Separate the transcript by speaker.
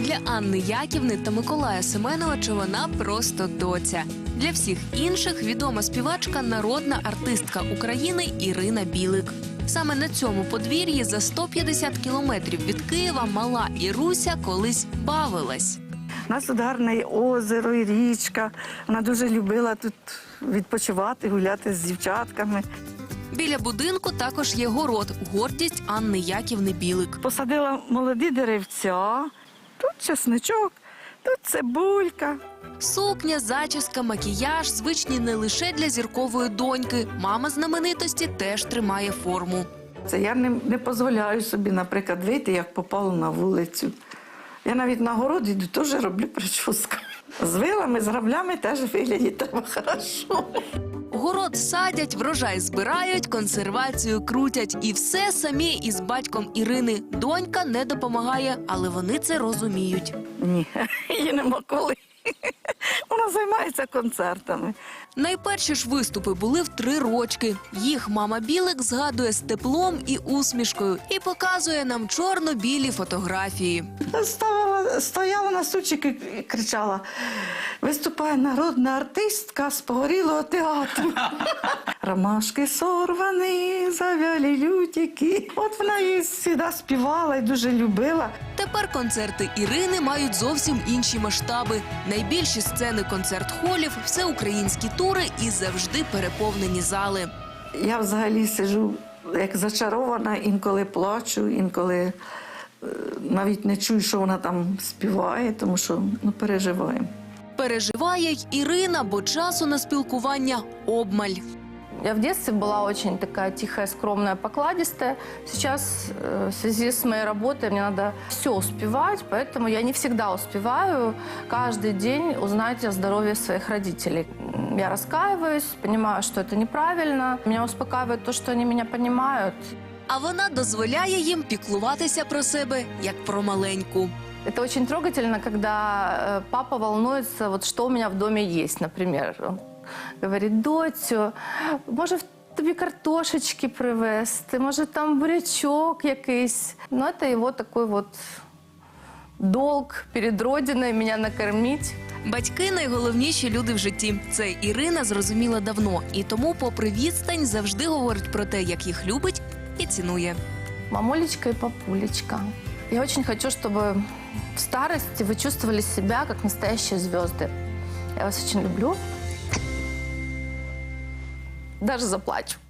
Speaker 1: Для Анни Яківни та Миколая Семеновича вона просто доця. Для всіх інших відома співачка, народна артистка України Ірина Білик. Саме на цьому подвір'ї за 150 кілометрів від Києва мала Іруся колись бавилась.
Speaker 2: У нас тут гарне озеро і річка. Вона дуже любила тут відпочивати, гуляти з дівчатками.
Speaker 1: Біля будинку також є город – гордість Анни Яківни Білик.
Speaker 2: Посадила молоді деревця, тут чесничок, тут цибулька.
Speaker 1: Сукня, зачіска, макіяж – звичні не лише для зіркової доньки. Мама знаменитості теж тримає форму.
Speaker 2: Це я не дозволяю собі, наприклад, вийти, як попало на вулицю. Я навіть на городі теж роблю прическу. З вилами, з граблями теж виглядає треба хорошо.
Speaker 1: Город садять, врожай збирають, консервацію крутять. І все самі із батьком Ірини. Донька не допомагає, але вони це розуміють.
Speaker 2: Ні, її нема коли. Вона займається концертами.
Speaker 1: Найперші ж виступи були в 3 рочки. Їх мама Білик згадує з теплом і усмішкою і показує нам чорно-білі фотографії.
Speaker 2: Стояла на стульчику і кричала: виступає народна артистка з погорілого театру. Ромашки сорвані, завялі лютики. От вона її завжди співала і дуже любила.
Speaker 1: Тепер концерти Ірини мають зовсім інші масштаби. Найбільші сцени концерт-холів, всеукраїнські тури і завжди переповнені зали.
Speaker 2: Я взагалі сиджу як зачарована, інколи плачу, інколи навіть не чую, що вона там співає, тому що переживаємо.
Speaker 1: Переживає й Ірина, бо часу на спілкування обмаль.
Speaker 3: Я в детстве была очень такая тихая, скромная, покладистая. Сейчас в связи с моей работой мне надо все успевать, поэтому я не всегда успеваю каждый день узнать о здоровье своих родителей. Я раскаиваюсь, понимаю, что это неправильно. Меня успокаивает то, что они меня понимают.
Speaker 1: А вона дозволяє їм піклуватися про себе, як про маленьку.
Speaker 3: Это очень трогательно, когда папа волнуется, вот что у меня в доме есть, например. Он говорит: доцю, може тобі картошечки привезти, може там бурячок якийсь. Ну, это его такой вот долг перед родиною мене накормити.
Speaker 1: Батьки – найголовніші люди в житті. Це Ірина зрозуміла давно. І тому, попри відстань, завжди говорить про те, як їх любить і цінує.
Speaker 3: Мамулечка и папулечка, я очень хочу, чтобы в старости вы чувствовали себя как настоящие звезды. Я вас очень люблю. Даже заплачу.